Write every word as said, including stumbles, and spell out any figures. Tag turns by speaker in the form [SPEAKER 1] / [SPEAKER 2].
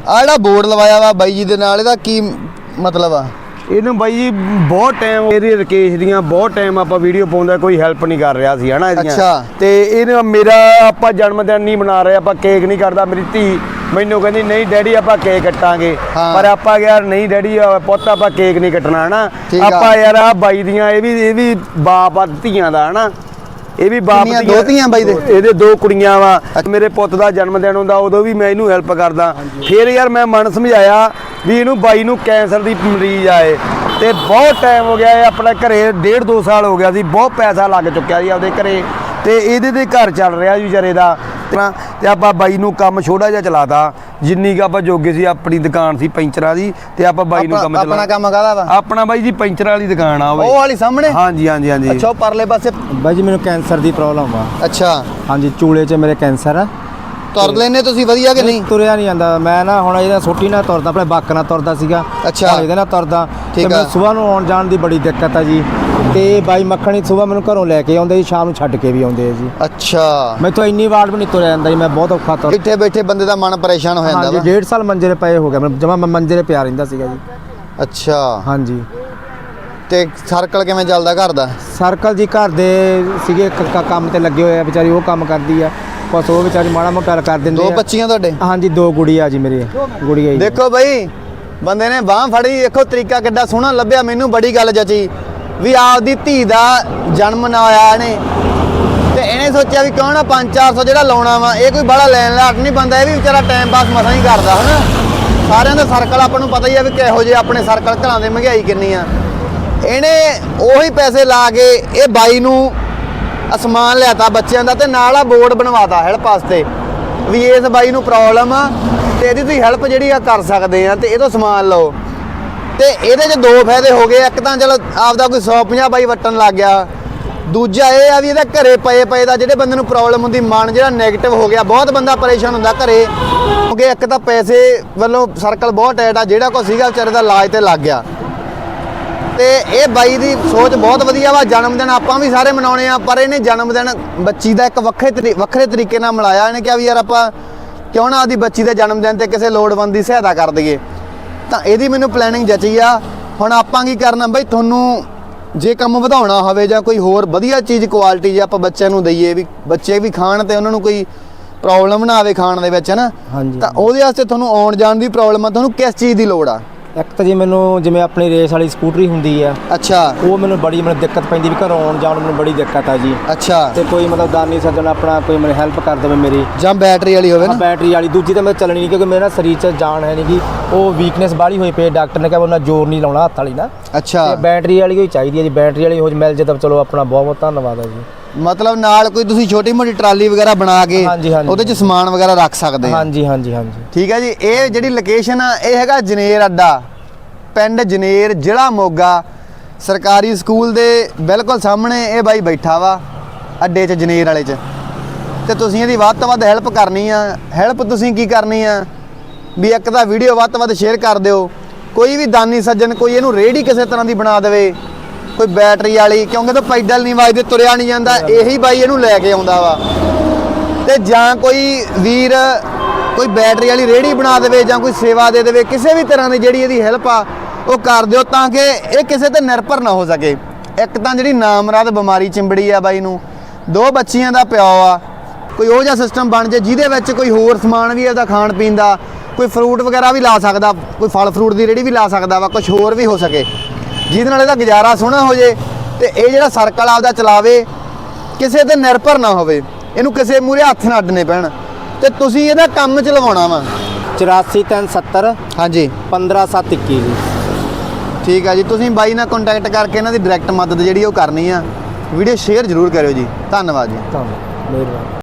[SPEAKER 1] ਆ ਜਿਹੜਾ ਬੋਰਡ ਲਵਾਇਆ ਵਾ ਬਾਈ ਜੀ ਦੇ ਨਾਲ ਇਹਦਾ ਕੀ ਮਤਲਬ ਆ?
[SPEAKER 2] ਇਹਨੂੰ ਬਾਈ ਜੀ ਬਹੁਤ ਟਾਈਮ ਇਹਦੀ ਰਕੇਸ਼ ਦੀਆਂ ਬਹੁਤ ਟਾਈਮ ਆਪਾਂ ਵੀਡੀਓ ਪਾਉਂਦਾ ਕੋਈ ਹੈਲਪ ਨਹੀਂ ਕਰ ਰਿਹਾ ਸੀ ਹਨਾ ਇਹਦੀਆਂ।
[SPEAKER 1] ਅੱਛਾ।
[SPEAKER 2] ਤੇ ਇਹਨੇ ਮੇਰਾ ਆਪਾਂ ਜਨਮ ਦਿਨ ਨਹੀਂ ਮਨਾ ਰਹੇ, ਆਪਾਂ ਕੇਕ ਨਹੀਂ ਕਰਦਾ। ਮੇਰੀ ਧੀ ਮੈਨੂੰ ਕਹਿੰਦੀ ਨਹੀਂ ਡੈਡੀ ਆਪਾਂ ਕੇਕ ਕੱਟਾਂਗੇ, ਪਰ ਆਪਾਂ ਯਾਰ ਨਹੀਂ ਡੈਡੀ ਪੁੱਤ ਆਪਾਂ ਕੇਕ ਨਹੀਂ ਕੱਟਣਾ ਹਨਾ। ਆਪਾਂ ਯਾਰ ਆ ਬਾਈ ਦੀਆਂ ਇਹ ਵੀ ਇਹ ਵੀ ਬਾਪ ਆ ਧੀਆਂ ਦਾ ਹਨਾ, ਇਹ ਵੀ ਬਾਪ ਦੀਆਂ
[SPEAKER 1] ਦੋ ਧੀਆਂ ਬਾਈ ਦੇ,
[SPEAKER 2] ਇਹਦੇ ਦੋ ਕੁੜੀਆਂ ਵਾ। ਮੇਰੇ ਪੁੱਤ ਦਾ ਜਨਮ ਦਿਨ ਹੁੰਦਾ ਉਦੋਂ ਵੀ ਮੈਂ ਇਹਨੂੰ ਹੈਲਪ ਕਰਦਾ। ਫਿਰ ਯਾਰ ਮੈਂ ਮਨ ਸਮਝਾਇਆ ਵੀ ਇਹਨੂੰ ਬਾਈ ਨੂੰ ਕੈਂਸਰ ਦੀ ਮਰੀਜ਼ ਆਏ ਤੇ ਬਹੁਤ ਟਾਈਮ ਹੋ ਗਿਆ। ਇਹ ਆਪਣੇ ਘਰੇ ਡੇਢ ਦੋ ਸਾਲ ਹੋ ਗਿਆ ਸੀ, ਬਹੁਤ ਪੈਸਾ ਲੱਗ ਚੁੱਕਿਆ ਸੀ ਆਪਦੇ ਘਰੇ ਤੇ ਇਹਦੇ ਤੇ ਘਰ ਚੱਲ ਰਿਹਾ ਜੀ ਵਿਚਾਰੇ ਦਾ। ਤੇ ਆਪਾਂ ਬਾਈ ਨੂੰ ਕੰਮ ਛੋਟਾ ਜਿਹਾ ਚਲਾਤਾ, ਜਿੰਨੀ ਕੁ ਆਪਾਂ ਜੋਗੇ ਸੀ। ਆਪਣੀ ਦੁਕਾਨ ਸੀ ਪੈਂਚਰਾਂ ਦੀ ਤੇ ਆਪਾਂ ਬਾਈ ਨੂੰ ਕੰਮ ਚਲਾ।
[SPEAKER 1] ਆਪਣਾ ਕੰਮ ਕਾਹਦਾ ਵਾ?
[SPEAKER 2] ਆਪਣਾ ਬਾਈ ਜੀ ਪੈਂਚਰ ਵਾਲੀ ਦੁਕਾਨ ਆ
[SPEAKER 1] ਉਹ ਵਾਲੀ ਸਾਹਮਣੇ।
[SPEAKER 2] ਹਾਂਜੀ ਹਾਂਜੀ ਹਾਂਜੀ।
[SPEAKER 1] ਅੱਛਾ, ਉਹ ਪਰਲੇ ਪਾਸੇ
[SPEAKER 3] ਬਾਈ ਜੀ ਮੈਨੂੰ ਕੈਂਸਰ ਦੀ ਪ੍ਰੋਬਲਮ ਆ।
[SPEAKER 1] ਅੱਛਾ
[SPEAKER 3] ਹਾਂਜੀ, ਚੂਲੇ 'ਚ ਮੇਰੇ ਕੈਂਸਰ ਆ।
[SPEAKER 1] ਤੁਰ ਲੈਨੇ ਤੁਸੀਂ ਵਧੀਆ ਕਿ ਨਹੀਂ?
[SPEAKER 3] ਤੁਰਿਆ ਨਹੀਂ ਜਾਂਦਾ ਮੈਂ ਨਾ, ਹੁਣ ਇਹਦਾ ਛੋਟੀ ਨਾਲ ਤੁਰਦਾ, ਆਪਣੇ ਬੱਕ ਨਾਲ ਤੁਰਦਾ ਸੀਗਾ।
[SPEAKER 1] ਅੱਛਾ।
[SPEAKER 3] ਇਹਦੇ ਨਾਲ ਤੁਰਦਾ
[SPEAKER 1] ਠੀਕ
[SPEAKER 3] ਤੇ
[SPEAKER 1] ਆ।
[SPEAKER 3] ਸਵੇਰ ਨੂੰ ਆਉਣ ਜਾਣ ਦੀ ਬੜੀ ਦਿੱਕਤ ਆ ਜੀ। ਤੇ ਬਾਈ ਮੱਖਣੀ ਸਵੇਰ ਮੈਨੂੰ ਘਰੋਂ ਲੈ ਕੇ ਆਉਂਦੇ ਜੀ, ਸ਼ਾਮ ਨੂੰ ਛੱਡ ਕੇ ਵੀ ਆਉਂਦੇ ਆ ਜੀ।
[SPEAKER 1] ਅੱਛਾ।
[SPEAKER 3] ਮੈਥੋਂ ਇੰਨੀ ਵਾਰ ਵੀ ਨਹੀਂ ਤੁਰਿਆ ਜਾਂਦਾ ਜੀ, ਮੈਂ ਬਹੁਤ ਔਖਾ ਤੁਰ।
[SPEAKER 1] ਇੱਥੇ ਬੈਠੇ ਬੰਦੇ ਦਾ ਮਨ ਪਰੇਸ਼ਾਨ ਹੋ ਜਾਂਦਾ ਵਾ।
[SPEAKER 3] ਹਾਂਜੀ, ਡੇਢ ਸਾਲ ਮੰਜੇ 'ਤੇ ਪਏ ਹੋ ਗਿਆ, ਮੈਂ ਜਮਾ ਮੈਂ ਮੰਜੇ 'ਤੇ ਪਿਆ ਰਹਿੰਦਾ ਸੀਗਾ ਜੀ।
[SPEAKER 1] ਅੱਛਾ।
[SPEAKER 3] ਹਾਂਜੀ।
[SPEAKER 1] ਤੇ ਸਰਕਲ ਕਿਵੇਂ ਚੱਲਦਾ ਘਰ ਦਾ?
[SPEAKER 3] ਸਰਕਲ ਜੀ ਘਰ ਦੇ ਸੀਗੇ ਕੰਮ ਤੇ ਲੱਗੇ ਹੋਏ ਆ, ਵਿਚਾਰੀ ਉਹ ਕੰਮ ਕਰਦੀ ਆ, ਬਸ ਉਹ ਵਿਚਾਰੀ ਮਾੜਾ ਮੋਟਾ ਕਰ ਦਿੰਦੇ ਆ।
[SPEAKER 1] ਦੋ ਬੱਚੀਆਂ ਤੁਹਾਡੇ?
[SPEAKER 3] ਹਾਂਜੀ, ਦੋ ਗੁੜੀਆ ਜੀ ਮੇਰੀ ਗੁੜੀਆ ਜੀ।
[SPEAKER 1] ਦੇਖੋ ਬਈ ਬੰਦੇ ਨੇ ਬਾਹ ਫੜੀ, ਦੇਖੋ ਤਰੀਕਾ ਕਿੱਡਾ ਸੋਹਣਾ ਲੱਭਿਆ। ਮੈਨੂੰ ਬੜੀ ਗੱਲ ਜਚੀ ਵੀ ਆਪਦੀ ਧੀ ਦਾ ਜਨਮ ਨਾ ਹੋਇਆ ਇਹਨੇ ਤੇ ਇਹਨੇ ਸੋਚਿਆ ਵੀ ਕਿਉਂ ਨਾ ਪੰਜ ਚਾਰ ਸੌ ਜਿਹੜਾ ਲਾਉਣਾ ਵਾ, ਇਹ ਕੋਈ ਬੜਾ ਲੈਣ ਲਾਟ ਨਹੀਂ ਬੰਦਾ, ਇਹ ਵੀ ਵਿਚਾਰਾ ਟਾਈਮ ਪਾਸ ਮਸਾਂ ਹੀ ਕਰਦਾ ਹਨਾ। ਸਾਰਿਆਂ ਦਾ ਸਰਕਲ ਆਪਾਂ ਨੂੰ ਪਤਾ ਹੀ ਆ ਵੀ ਕਿਹੋ ਜਿਹੇ ਆਪਣੇ ਸਰਕਲ, ਘਰਾਂ ਦੇ ਮਹਿੰਗਾਈ ਕਿੰਨੀ ਆ। ਇਹਨੇ ਉਹੀ ਪੈਸੇ ਲਾ ਕੇ ਇਹ ਬਾਈ ਨੂੰ ਅਸਮਾਨ ਲਿਆਤਾ ਬੱਚਿਆਂ ਦਾ ਤੇ ਨਾਲ ਆ ਬੋਰਡ ਬਣਵਾਤਾ ਹੈਲਪ ਵਾਸਤੇ ਵੀ ਇਸ ਬਾਈ ਨੂੰ ਪ੍ਰੋਬਲਮ ਆ ਤੇ ਇਹਦੀ ਤੁਸੀਂ ਹੈਲਪ ਜਿਹੜੀ ਆ ਕਰ ਸਕਦੇ ਆ ਤੇ ਇਹ ਤੋਂ ਸਮਾਨ ਲਓ। ਤੇ ਇਹਦੇ 'ਚ ਦੋ ਫਾਇਦੇ ਹੋ ਗਏ। ਇੱਕ ਤਾਂ ਚਲੋ ਆਪਦਾ ਕੋਈ ਸੌ ਪੰਜਾਹ ਬਾਈ ਵਟਣ ਲੱਗ ਗਿਆ, ਦੂਜਾ ਇਹ ਆ ਵੀ ਇਹਦਾ ਘਰੇ ਪਏ ਪਏ ਦਾ ਜਿਹੜੇ ਬੰਦੇ ਨੂੰ ਪ੍ਰੋਬਲਮ ਹੁੰਦੀ, ਮਨ ਜਿਹੜਾ ਨੈਗੇਟਿਵ ਹੋ ਗਿਆ, ਬਹੁਤ ਬੰਦਾ ਪਰੇਸ਼ਾਨ ਹੁੰਦਾ ਘਰੇ, ਕਿਉਂਕਿ ਇੱਕ ਤਾਂ ਪੈਸੇ ਵੱਲੋਂ ਸਰਕਲ ਬਹੁਤ ਟਾਈਟ ਆ, ਜਿਹੜਾ ਕੋਈ ਸੀਗਾ ਵਿਚਾਰੇ ਦਾ ਇਲਾਜ ਤੇ ਲੱਗ ਗਿਆ। ਤੇ ਇਹ ਬਾਈ ਦੀ ਸੋਚ ਬਹੁਤ ਵਧੀਆ ਵਾ। ਜਨਮ ਦਿਨ ਆਪਾਂ ਵੀ ਸਾਰੇ ਮਨਾਉਣੇ ਆ, ਪਰ ਇਹਨੇ ਜਨਮ ਦਿਨ ਬੱਚੀ ਦਾ ਇੱਕ ਵੱਖਰੇ ਵੱਖਰੇ ਤਰੀਕੇ ਨਾਲ ਮਨਾਇਆ। ਇਹਨੇ ਕਿਹਾ ਵੀ ਯਾਰ ਆਪਾਂ ਕਿਉਂ ਨਾ ਆਪਦੀ ਬੱਚੀ ਦੇ ਜਨਮ ਦਿਨ ਤੇ ਕਿਸੇ ਲੋੜਵੰਦ ਦੀ ਸਹਾਇਤਾ ਕਰ ਦਈਏ। ਤਾਂ ਇਹਦੀ ਮੈਨੂੰ ਪਲੈਨਿੰਗ ਜਚੀ ਆ। ਹੁਣ ਆਪਾਂ ਕੀ ਕਰਨਾ ਬਈ, ਤੁਹਾਨੂੰ ਜੇ ਕੰਮ ਵਧਾਉਣਾ ਹੋਵੇ ਜਾਂ ਕੋਈ ਹੋਰ ਵਧੀਆ ਚੀਜ਼ ਕੁਆਲਿਟੀ ਜੇ ਆਪਾਂ ਬੱਚਿਆਂ ਨੂੰ ਦਈਏ ਵੀ ਬੱਚੇ ਵੀ ਖਾਣ ਤੇ ਉਹਨਾਂ ਨੂੰ ਕੋਈ ਪ੍ਰੋਬਲਮ ਨਾ ਆਵੇ ਖਾਣ ਦੇ ਵਿੱਚ ਹਨਾ, ਤਾਂ ਉਹਦੇ ਵਾਸਤੇ ਤੁਹਾਨੂੰ ਆਉਣ ਜਾਣ ਦੀ ਪ੍ਰੋਬਲਮ ਆ, ਤੁਹਾਨੂੰ ਕਿਸ ਚੀਜ਼ ਦੀ ਲੋੜ ਆ?
[SPEAKER 3] ਇੱਕ ਤਾਂ ਜੀ ਮੈਨੂੰ ਜਿਵੇਂ ਆਪਣੀ ਰੇਸ ਵਾਲੀ ਸਕੂਟਰੀ ਹੁੰਦੀ ਆ।
[SPEAKER 1] ਅੱਛਾ।
[SPEAKER 3] ਉਹ ਮੈਨੂੰ ਬੜੀ ਮੈਨੂੰ ਦਿੱਕਤ ਪੈਂਦੀ ਵੀ ਘਰੋਂ ਆਉਣ ਜਾਣ ਮੈਨੂੰ ਬੜੀ ਦਿੱਕਤ ਆ ਜੀ।
[SPEAKER 1] ਅੱਛਾ।
[SPEAKER 3] ਤੇ ਕੋਈ ਮਤਲਬ ਦਾਨੀ ਸੱਜਣ ਆਪਣਾ ਕੋਈ ਮੈਨੂੰ ਹੈਲਪ ਕਰ ਦੇਵੇ ਮੇਰੀ,
[SPEAKER 1] ਜਾਂ ਬੈਟਰੀ ਵਾਲੀ ਹੋਵੇ ਨਾ?
[SPEAKER 3] ਬੈਟਰੀ ਵਾਲੀ। ਦੂਜੀ ਤਾਂ ਮੈਂ ਚੱਲਣੀ ਨਹੀਂ ਕਿਉਂਕਿ ਮੇਰਾ ਸਰੀਰ 'ਚ ਜਾਨ ਹੈ ਨਹੀਂ ਗੀ, ਉਹ ਵੀਕਨੈਸ ਬਾਹਲੀ ਹੋਈ ਪਈ। ਡਾਕਟਰ ਨੇ ਕਿਹਾ ਉਹਨਾਂ ਜ਼ੋਰ ਨਹੀਂ ਲਾਉਣਾ ਹੱਥ ਵਾਲੀ ਨਾ।
[SPEAKER 1] ਅੱਛਾ।
[SPEAKER 3] ਤੇ ਬੈਟਰੀ ਵਾਲੀ ਹੋਈ ਚਾਹੀਦੀ ਹੈ ਜੀ, ਬੈਟਰੀ ਵਾਲੀ ਹੋ ਮਿਲ ਜੇ ਤਾਂ ਚਲੋ ਆਪਣਾ ਬਹੁਤ ਬਹੁਤ ਧੰਨਵਾਦ ਹੈ ਜੀ।
[SPEAKER 1] ਮਤਲਬ ਨਾਲ ਕੋਈ ਤੁਸੀਂ ਛੋਟੀ ਮੋਟੀ ਟਰਾਲੀ ਵਗੈਰਾ ਬਣਾ ਕੇ ਉਹਦੇ 'ਚ ਸਮਾਨ ਵਗੈਰਾ ਰੱਖ ਸਕਦੇ ਆ?
[SPEAKER 3] ਹਾਂਜੀ ਹਾਂਜੀ ਹਾਂਜੀ।
[SPEAKER 1] ਠੀਕ ਹੈ ਜੀ। ਇਹ ਜਿਹੜੀ ਲੋਕੇਸ਼ਨ ਆ ਇਹ ਹੈਗਾ ਜਨੇਰ ਅੱਡਾ, ਪਿੰਡ ਜਨੇਰ, ਜ਼ਿਲ੍ਹਾ ਮੋਗਾ। ਸਰਕਾਰੀ ਸਕੂਲ ਦੇ ਬਿਲਕੁਲ ਸਾਹਮਣੇ ਇਹ ਬਾਈ ਬੈਠਾ ਵਾ ਅੱਡੇ 'ਚ, ਜਨੇਰ ਵਾਲੇ 'ਚ। ਤੇ ਤੁਸੀਂ ਇਹਦੀ ਵੱਧ ਤੋਂ ਵੱਧ ਹੈਲਪ ਕਰਨੀ ਆ। ਹੈਲਪ ਤੁਸੀਂ ਕੀ ਕਰਨੀ ਆ ਵੀ ਇੱਕ ਤਾਂ ਵੀਡੀਓ ਵੱਧ ਤੋਂ ਵੱਧ ਸ਼ੇਅਰ ਕਰ ਦਿਓ। ਕੋਈ ਵੀ ਦਾਨੀ ਸੱਜਣ ਕੋਈ ਇਹਨੂੰ ਰੇਹੜੀ ਕਿਸੇ ਤਰ੍ਹਾਂ ਦੀ ਬਣਾ ਦੇਵੇ, ਕੋਈ ਬੈਟਰੀ ਵਾਲੀ, ਕਿਉਂਕਿ ਤਾਂ ਪੈਡਲ ਨਹੀਂ ਵੱਜਦੇ, ਤੁਰਿਆ ਨਹੀਂ ਜਾਂਦਾ, ਇਹੀ ਬਾਈ ਇਹਨੂੰ ਲੈ ਕੇ ਆਉਂਦਾ ਵਾ। ਤੇ ਜਾਂ ਕੋਈ ਵੀਰ ਕੋਈ ਬੈਟਰੀ ਵਾਲੀ ਰੇਹੜੀ ਬਣਾ ਦੇਵੇ ਜਾਂ ਕੋਈ ਸੇਵਾ ਦੇ ਦੇਵੇ, ਕਿਸੇ ਵੀ ਤਰ੍ਹਾਂ ਦੀ ਜਿਹੜੀ ਇਹਦੀ ਹੈਲਪ ਆ ਉਹ ਕਰ ਦਿਓ ਤਾਂ ਕਿ ਇਹ ਕਿਸੇ ਤੇ ਨਿਰਭਰ ਨਾ ਹੋ ਸਕੇ। ਇੱਕ ਤਾਂ ਜਿਹੜੀ ਨਾਮਰਾਦ ਬਿਮਾਰੀ ਚਿੰਬੜੀ ਆ ਬਾਈ ਨੂੰ, ਦੋ ਬੱਚੀਆਂ ਦਾ ਪਿਓ ਆ, ਕੋਈ ਉਹ ਜਿਹਾ ਸਿਸਟਮ ਬਣ ਜੇ ਜਿਹਦੇ ਵਿੱਚ ਕੋਈ ਹੋਰ ਸਮਾਨ ਵੀ ਇਹਦਾ ਖਾਣ ਪੀਣ ਦਾ, ਕੋਈ ਫਰੂਟ ਵਗੈਰਾ ਵੀ ਲਾ ਸਕਦਾ, ਕੋਈ ਫਲ ਫਰੂਟ ਦੀ ਰੇਹੜੀ ਵੀ ਲਾ ਸਕਦਾ ਵਾ, ਕੁਝ ਹੋਰ ਵੀ ਹੋ ਸਕੇ ਜਿਹਦੇ ਨਾਲ ਇਹਦਾ ਗੁਜ਼ਾਰਾ ਸੋਹਣਾ ਹੋ ਜੇ। ਤੇ ਇਹ ਜਿਹੜਾ ਸਰਕਲ ਆਪਦਾ ਚਲਾਵੇ, ਕਿਸੇ ਤੇ ਨਿਰਭਰ ਨਾ ਹੋਵੇ, ਇਹਨੂੰ ਕਿਸੇ ਮੂਹਰੇ ਹੱਥ ਨਾ ਅੱਡਣੇ ਪੈਣ। ਤੇ ਤੁਸੀਂ ਇਹਦਾ ਕੰਮ ਚ ਲਵਾਉਣਾ ਵਾ।
[SPEAKER 3] ਚੁਰਾਸੀ ਤਿੰਨ ਸੱਤਰ
[SPEAKER 1] ਹਾਂਜੀ
[SPEAKER 3] ਪੰਦਰਾਂ ਸੱਤ ਇੱਕੀ ਜੀ।
[SPEAKER 1] ਠੀਕ ਆ ਜੀ। ਤੁਸੀਂ ਬਾਈ ਨਾਲ ਕੰਟੈਕਟ ਕਰਕੇ ਇਹਨਾਂ ਦੀ ਡਾਇਰੈਕਟ ਮਦਦ ਜਿਹੜੀ ਉਹ ਕਰਨੀ ਆ। ਵੀਡੀਓ ਸ਼ੇਅਰ ਜ਼ਰੂਰ ਕਰਿਓ ਜੀ। ਧੰਨਵਾਦ ਜੀ।
[SPEAKER 3] ਧੰਨਵਾਦ, ਮਿਹਰਬਾਨੀ।